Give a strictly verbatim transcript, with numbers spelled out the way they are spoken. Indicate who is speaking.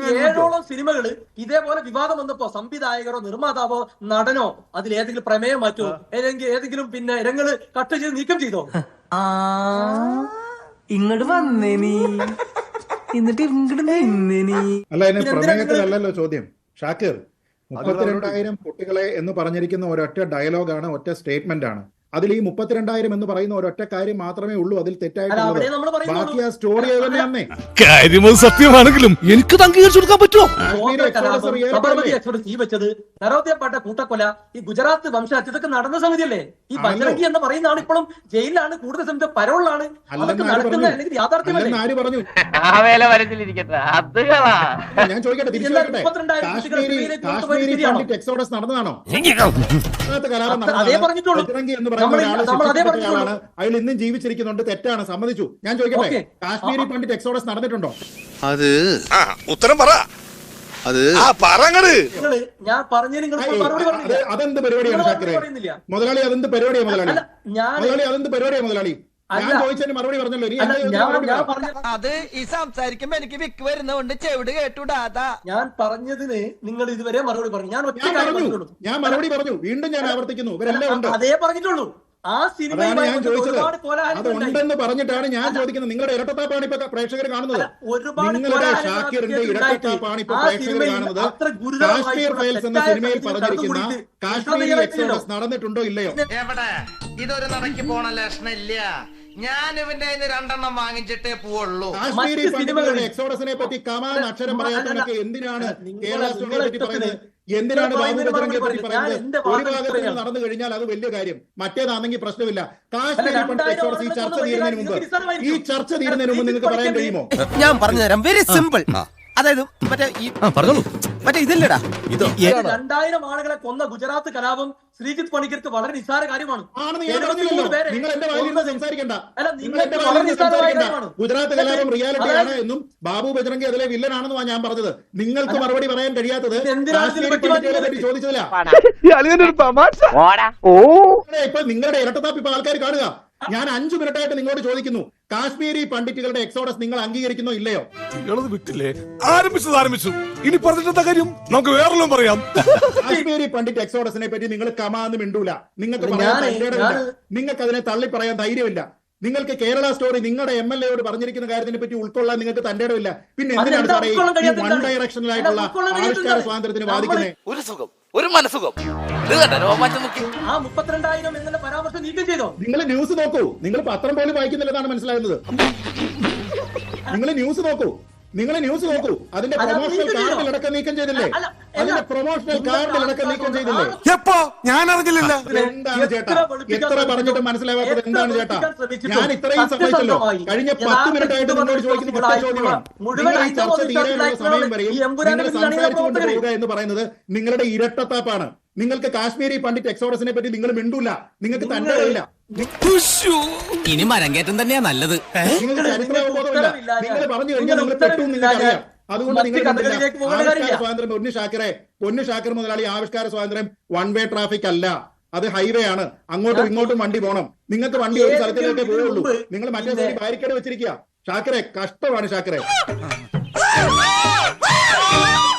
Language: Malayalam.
Speaker 1: ഏഴോളം സിനിമകള് ഇതേപോലെ വിവാദം വന്നപ്പോ സംവിധായകരോ നിർമ്മാതാവോ നടനോ അതിൽ ഏതെങ്കിലും പ്രമേയം മാറ്റോ ഏതെങ്കിലും ഏതെങ്കിലും പിന്നെ രംഗങ്ങള് കട്ട് ചെയ്ത് നീക്കം ചെയ്തോ?
Speaker 2: ആ ഇങ്ങോട്ട് വന്നേ നീ എന്നിട്ട് ഇങ്ങോട്ട് നിന്നേ നീ.
Speaker 3: അല്ല, അതിന് പ്രമേയത്തിലല്ലോ ചോദ്യം. ഷാക്കിർ, മുപ്പത്തിരണ്ടായിരം കുട്ടികളെ എന്ന് പറഞ്ഞിരിക്കുന്ന ഒരൊറ്റ ഡയലോഗാണ്, ഒറ്റ സ്റ്റേറ്റ്മെന്റ് ആണ്. അതിൽ ഈ മുപ്പത്തിരണ്ടായിരം എന്ന് പറയുന്ന ഒരൊറ്റ കാര്യം മാത്രമേ ഉള്ളൂ അതിൽ തെറ്റായിട്ടുള്ളത്. ബാക്കി ആ സ്റ്റോറി തന്നെയാണേ.
Speaker 4: കാര്യം സത്യമാണെങ്കിലും എനിക്ക് അംഗീകരിച്ചു കൊടുക്കാൻ പറ്റുമോ?
Speaker 1: ഈ വെച്ചത് നരോദ്യപ്പെട്ട കൂട്ടക്കൊല, ഈ ഗുജറാത്ത് വംശഹത്യ, ഇതൊക്കെ നടന്ന സമിതിയല്ലേ? ഈ ബജരംഗി എന്ന് പറയുന്ന ആൾ ഇപ്പോഴും ജയിലിലാണ്, കൂടുതൽ സമയത്ത് പരോളിലാണ്. അതൊക്കെ നടക്കുന്ന അല്ലെങ്കിൽ യാഥാർത്ഥ്യമല്ലേ?
Speaker 3: ആര് പറഞ്ഞു? ഞാൻ ചോദിക്കട്ടെ, എക്സോഡസ് നടന്നതാണോ?
Speaker 1: അതേ പറഞ്ഞിട്ടുള്ളൂ.
Speaker 3: അയാൾ ഇന്നും ജീവിച്ചിരിക്കുന്നുണ്ട്, തെറ്റാണ്, സമ്മതിച്ചു. ഞാൻ ചോദിക്കട്ടെ, കാശ്മീരി പണ്ഡിറ്റ് എക്സോഡസ് നടന്നിട്ടുണ്ടോ?
Speaker 4: അത് ഉത്തരം പറ. അത്
Speaker 1: ഞാൻ പറഞ്ഞു.
Speaker 3: അതെന്ത് പരിപാടിയാണ് ഷാക്കിറെ? മുതലാളി അതെന്ത് പരിപാടിയാണ് മുതലാളി? മുതലാളി അതെന്ത് പരിപാടിയാണ് മുതലാളി? ഞാൻ ചോദിച്ചതിന് മറുപടി പറഞ്ഞല്ലോ.
Speaker 2: അത് ഈ സംസാരിക്കുമ്പോ എനിക്ക് വിക്ക് വരുന്നതുകൊണ്ട് ചെവിട് കേട്ടുടാതാ.
Speaker 1: ഞാൻ പറഞ്ഞതിന് നിങ്ങൾ ഇതുവരെ മറുപടി പറഞ്ഞു. ഞാൻ ഒറ്റ കാര്യം പറഞ്ഞുള്ളൂ.
Speaker 3: ഞാൻ മറുപടി പറഞ്ഞു, വീണ്ടും ഞാൻ ആവർത്തിക്കുന്നു, ഇവരെല്ലാം ഉണ്ട്.
Speaker 1: അതേ പറഞ്ഞിട്ടുള്ളൂ. ആ സിനിമ
Speaker 3: ഞാൻ ചോദിച്ചത് അത് ഉണ്ടെന്ന് പറഞ്ഞിട്ടാണ് ഞാൻ ചോദിക്കുന്നത്. നിങ്ങളുടെ ഇരട്ടത്താപ്പാണ് ഇപ്പൊ പ്രേക്ഷകർ കാണുന്നത്. നിങ്ങളുടെ ഷാക്കിറിന്റെ ഇരട്ടത്താപ്പാണ് ഇപ്പൊ പ്രേക്ഷകർ കാണുന്നത്. കാശ്മീർ ഫയൽസ് എന്ന സിനിമയിൽ പറഞ്ഞിരിക്കുന്ന കാശ്മീരി എക്സോഡസ് നടന്നിട്ടുണ്ടോ ഇല്ലയോ?
Speaker 2: എവിടെ ഇതൊരു നടക്കി പോണ ലക്ഷണില്ല. ഞാൻ ഇവന്റെ രണ്ടെണ്ണം വാങ്ങിച്ചിട്ടേ പോവുള്ളൂ.
Speaker 3: കാശ്മീരി പണ്ഡിറ്റുകളുടെ എക്സോഡസിനെ പറ്റി കമാൻ അക്ഷരം പറയാത്തവരൊക്കെ എന്തിനാണ് കേരള സ്റ്റോറിയെ പറ്റി പറയുന്നത്? എന്തിനാണ് ബാബു ബജരംഗിയെ പറ്റി പറയുന്നത്? ഒരു ഭാഗത്ത് നടന്നു കഴിഞ്ഞാൽ അത് വലിയ കാര്യം, മറ്റേതാണെങ്കിൽ പ്രശ്നമില്ല. കാശ്മീരി പണ്ഡിറ്റ് എക്സോഡസ് ഈ ചർച്ച തീരുന്നതിന് മുമ്പ് ഈ ചർച്ച തീരുന്നതിന് മുമ്പ് നിങ്ങൾക്ക് പറയാൻ കഴിയുമോ?
Speaker 2: ഞാൻ പറഞ്ഞുതരാം, വെരി സിമ്പിൾ. അതായത് മറ്റേ പറഞ്ഞോളൂ, മറ്റേ ഇതില്ലടാ, ഇത്
Speaker 1: രണ്ടായിരം ആളുകളെ കൊന്ന ഗുജറാത്ത് കലാപം ശ്രീജിത്ത് പണിക്കർക്ക് വളരെ നിസ്സാര കാര്യമാണ്.
Speaker 3: നിങ്ങൾ എന്റെ വായിൽ സംസാരിക്കണ്ട. ഗുജറാത്ത് കലാപം റിയാലിറ്റി ആണ് എന്നും ബാബു ബജരംഗി അതിലെ വില്ലനാണെന്നുമാണ് ഞാൻ പറഞ്ഞത്. നിങ്ങൾക്ക് മറുപടി പറയാൻ കഴിയാത്തത് ചോദിച്ചതില്ല. ഇപ്പൊ നിങ്ങളുടെ ഇരട്ടത്താപ്പ് ഇപ്പൊ ആൾക്കാർ കാണുക. ഞാൻ അഞ്ചു മിനിറ്റായിട്ട് നിങ്ങളോട് ചോദിക്കുന്നു, കാശ്മീരി പണ്ഡിറ്റുകളുടെ എക്സോഡസ് നിങ്ങൾ അംഗീകരിക്കുന്നോ ഇല്ലയോ?
Speaker 4: വിട്ടില്ലേ? ആരംഭിച്ചത് ആരംഭിച്ചു. ഇനി പറഞ്ഞിട്ട കാര്യം നമുക്ക് വേറെല്ലാം പറയാം.
Speaker 3: കാശ്മീരി പണ്ഡിറ്റ് എക്സോഡസിനെ പറ്റി നിങ്ങൾ കമാന്ന് മിണ്ടൂല. നിങ്ങൾക്ക് പറയാൻ നിങ്ങൾക്ക് അതിനെ തള്ളി പറയാൻ ധൈര്യമില്ല. നിങ്ങൾക്ക് കേരള സ്റ്റോറി നിങ്ങളുടെ എം എൽ എയോട് പറഞ്ഞിരിക്കുന്ന കാര്യത്തിനെ പറ്റി ഉൾക്കൊള്ളാൻ നിങ്ങൾക്ക് തന്റെ ഇടമില്ല. പിന്നെ എന്തിനാണ് സാറേ ഈ വൺ ഡയറക്ഷനിലായിട്ടുള്ള ആവിഷ്കാര സ്വാതന്ത്ര്യത്തിന് ബാധിക്കുന്നത്?
Speaker 2: ഒരു സുഖം, ഒരു മനസുഖം.
Speaker 1: ആ മുപ്പത്തിരണ്ടായിരം എന്നുള്ള പരാമർശം നീക്കം ചെയ്തോ?
Speaker 3: നിങ്ങൾ ന്യൂസ് നോക്കൂ. നിങ്ങൾ പത്രം പോലും വായിക്കുന്നില്ലെന്നാണ് മനസ്സിലാകുന്നത്. നിങ്ങൾ ന്യൂസ് നോക്കൂ. നിങ്ങൾ ന്യൂസ് നോക്കൂ. അതിന്റെ പ്രൊമോഷണൽ കാർഡിലടക്കം നീക്കം ചെയ്തില്ലേ? അതിന്റെ പ്രൊമോഷണൽ കാർഡിലടക്കം നീക്കം ചെയ്തില്ലേ?
Speaker 4: എപ്പോ? ഞാൻ അറിഞ്ഞില്ല.
Speaker 3: എന്താണ് ചേട്ടാ എത്ര പറഞ്ഞിട്ട് മനസ്സിലാവാത്തത്? എന്താണ് ചേട്ടാ? ഞാൻ ഇത്രയും സമ്മതിച്ചല്ലോ. കഴിഞ്ഞ പത്ത് മിനിറ്റ് ആയിട്ട് നിങ്ങളോട് ചോദിക്കുന്ന ഒറ്റ ചോദ്യമാണ്. നിങ്ങൾ ഈ ചർച്ച തീരാനുള്ള സമയം വരെയും നിങ്ങൾ സംസാരിച്ചുകൊണ്ട് പോവുക എന്ന് പറയുന്നത് നിങ്ങളുടെ ഇരട്ടത്താപ്പാണ്. നിങ്ങൾക്ക് കാശ്മീരി പണ്ഡിറ്റ് എക്സോഡസിനെ പറ്റി നിങ്ങൾ മിണ്ടൂല. നിങ്ങൾക്ക് തന്നെ അറിയില്ല.
Speaker 2: ഇനി മരങ്കേറ്റം തന്നെയാ നല്ലത്.
Speaker 3: നിങ്ങൾക്ക് ചരിത്രബോധമില്ല. നിങ്ങൾ പറഞ്ഞു കഴിഞ്ഞാൽ നിങ്ങൾ പെട്ടെന്ന് നിങ്ങൾക്കറിയാം. അതുകൊണ്ട് നിങ്ങൾ ആവിഷ്കാര സ്വാതന്ത്ര്യം പൊന്നു ഷാക്കിറെ, പൊന്നു ഷാക്കിർ മുതലാളി, ആവിഷ്കാര സ്വാതന്ത്ര്യം വൺ വേ ട്രാഫിക് അല്ല, അത് ഹൈവേ ആണ്. അങ്ങോട്ടും ഇങ്ങോട്ടും വണ്ടി പോകണം. നിങ്ങൾക്ക് വണ്ടി ഒരു സ്ഥലത്തിലേക്കേ പോവുള്ളൂ. നിങ്ങൾ മറ്റേ ബാരിക്കേഡ് വെച്ചിരിക്കുക. ഷാക്കിറെ, കഷ്ടമാണ് ഷാക്കിറെ.